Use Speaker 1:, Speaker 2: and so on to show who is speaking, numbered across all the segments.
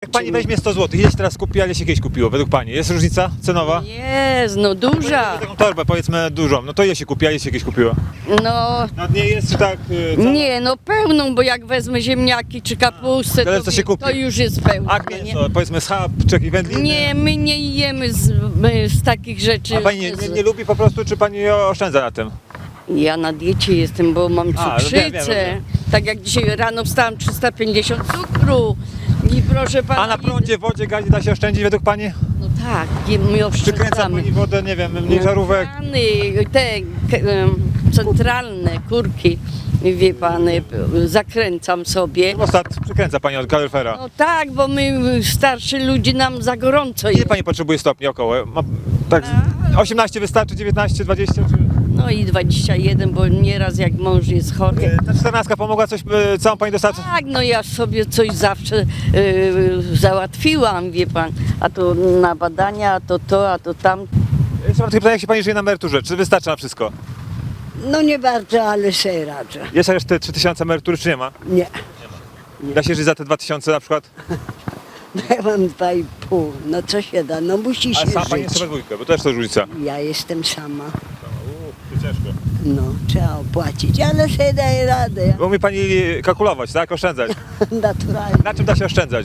Speaker 1: Jak pani weźmie 100 zł, ile się teraz kupi, a ile się kiedyś kupiło według pani? Jest różnica cenowa?
Speaker 2: Jest, no duża.
Speaker 1: Taką torbę powiedzmy dużą, no to ile się kupi, a ile się kiedyś kupiło?
Speaker 2: No
Speaker 1: No nie jest czy tak...
Speaker 2: nie, no pełną, bo jak wezmę ziemniaki czy kapustę,
Speaker 1: Tyle, co się kupi.
Speaker 2: to już jest pełna.
Speaker 1: A
Speaker 2: nie?
Speaker 1: mięso, powiedzmy schab, czy jakieś wędliny?
Speaker 2: Nie, my nie jemy z takich rzeczy.
Speaker 1: A pani nie lubi po prostu, czy pani oszczędza na tym?
Speaker 2: Ja na diecie jestem, bo mam
Speaker 1: A,
Speaker 2: cukrzycę.
Speaker 1: wiem.
Speaker 2: Tak jak dzisiaj rano wstałam 350 cukru. I proszę pana.
Speaker 1: A na prądzie, wodzie, gazie da się oszczędzić według pani?
Speaker 2: No tak, my
Speaker 1: Czy kręca
Speaker 2: oszczędzamy.
Speaker 1: pani wodę, nie wiem, mniej żarówek?
Speaker 2: Krany, te centralne kurki, wie pan, zakręcam sobie.
Speaker 1: Ostatnio przykręca pani od kaloryfera.
Speaker 2: No tak, bo my starsi ludzie nam za gorąco
Speaker 1: Ile
Speaker 2: jest.
Speaker 1: pani potrzebuje stopni około? Tak, 18 wystarczy, 19, 20? Czy...
Speaker 2: No i 21, bo nieraz jak mąż jest chory.
Speaker 1: Ta 14 pomogła coś, całą pani dostarczyć?
Speaker 2: Tak, no ja sobie coś zawsze załatwiłam, wie pan. A to na badania, a to tam.
Speaker 1: Jeszcze mam takie pytanie, jak się pani żyje na emeryturze? Czy wystarcza na wszystko?
Speaker 3: No nie bardzo, ale sobie radzę.
Speaker 1: Jest jeszcze te 3000 emerytury, czy nie ma?
Speaker 3: Nie,
Speaker 1: Da się żyć za te 2000 na przykład?
Speaker 3: ja mam 2,5. No co się da, no musi się
Speaker 1: Ale sama pani jest
Speaker 3: żyć.
Speaker 1: sobie dwójkę, bo to też to różnica.
Speaker 3: Ja jestem sama.
Speaker 1: To ciężko.
Speaker 3: No, trzeba opłacić, ale sobie daję radę.
Speaker 1: Bo umie pani kalkulować, tak? Oszczędzać.
Speaker 3: Naturalnie.
Speaker 1: Na czym da się oszczędzać?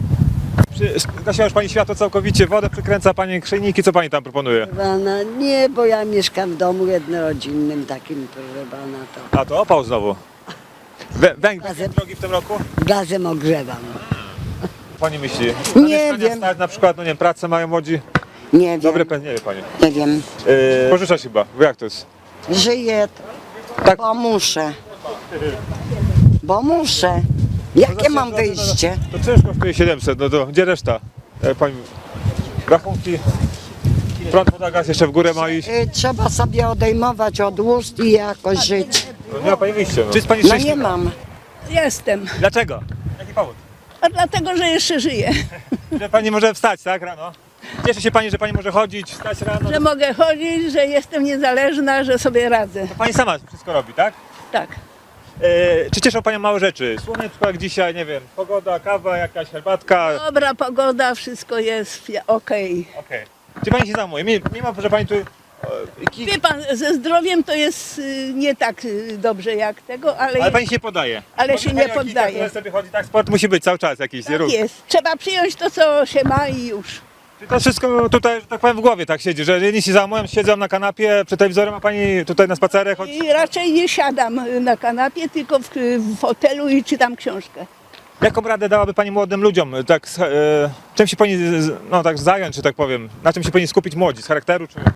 Speaker 1: Gasiła już pani światło całkowicie, wodę przykręca pani, grzejniki, co pani tam proponuje?
Speaker 3: Pana, nie, bo ja mieszkam w domu jednorodzinnym takim, proszę pana, to
Speaker 1: A to opał znowu. Węgiel drogi w tym roku?
Speaker 3: gazem ogrzewam.
Speaker 1: Pani myśli?
Speaker 3: Nie
Speaker 1: mieszkania
Speaker 3: wiem.
Speaker 1: Stać, na przykład, no nie wiem, pracę mają młodzi.
Speaker 3: Nie wiem,
Speaker 1: Dobry pęd, nie wie pani.
Speaker 3: nie wiem.
Speaker 1: Pożyczać chyba, bo jak to jest?
Speaker 3: Żyję,
Speaker 1: Tak.
Speaker 3: bo muszę. Bo muszę. Jakie mam wyjście?
Speaker 1: To czynsz kosztuje 700, no to gdzie reszta? Pani, rachunki, prąd, woda, gaz jeszcze w górę ma iść.
Speaker 3: Trzeba sobie odejmować od ust i jakoś żyć.
Speaker 1: No nie ma pani wyjścia. No. Czy jest pani
Speaker 3: No
Speaker 1: szczęśliwa?
Speaker 3: nie mam.
Speaker 4: Jestem,
Speaker 1: Dlaczego? Jaki powód?
Speaker 4: a dlatego, że jeszcze żyję.
Speaker 1: Że pani może wstać, tak, rano? Cieszy się pani, że pani może chodzić, wstać rano.
Speaker 4: Że mogę chodzić, że jestem niezależna, że sobie radzę.
Speaker 1: Pani sama wszystko robi, tak?
Speaker 4: Tak.
Speaker 1: Czy cieszą panią małe rzeczy? Słoneczko jak dzisiaj, nie wiem, pogoda, kawa, jakaś herbatka.
Speaker 4: Dobra pogoda, wszystko jest okej.
Speaker 1: Okej. Czy pani się zajmuje? Mimo, że pani tu...
Speaker 4: Wie pan, ze zdrowiem to jest nie tak dobrze jak tego,
Speaker 1: Ale pani się nie podaje.
Speaker 4: Ale
Speaker 1: Mówi
Speaker 4: się
Speaker 1: pani
Speaker 4: nie
Speaker 1: o kikach,
Speaker 4: poddaje.
Speaker 1: które sobie chodzi, tak, sport musi być cały czas jakiś,
Speaker 4: tak
Speaker 1: ruch.
Speaker 4: jest. Trzeba przyjąć to, co się ma i już.
Speaker 1: Czy to wszystko tutaj, że tak powiem, w głowie tak siedzi, że jedni się zajmują, siedzą na kanapie przed telewizorem, a pani tutaj na spacerach chodzi?
Speaker 4: I raczej nie siadam na kanapie, tylko w fotelu i czytam książkę.
Speaker 1: Jaką radę dałaby pani młodym ludziom? Tak, czym się pani no, tak zająć, czy tak powiem? Na czym się powinni skupić młodzi? Z charakteru czy...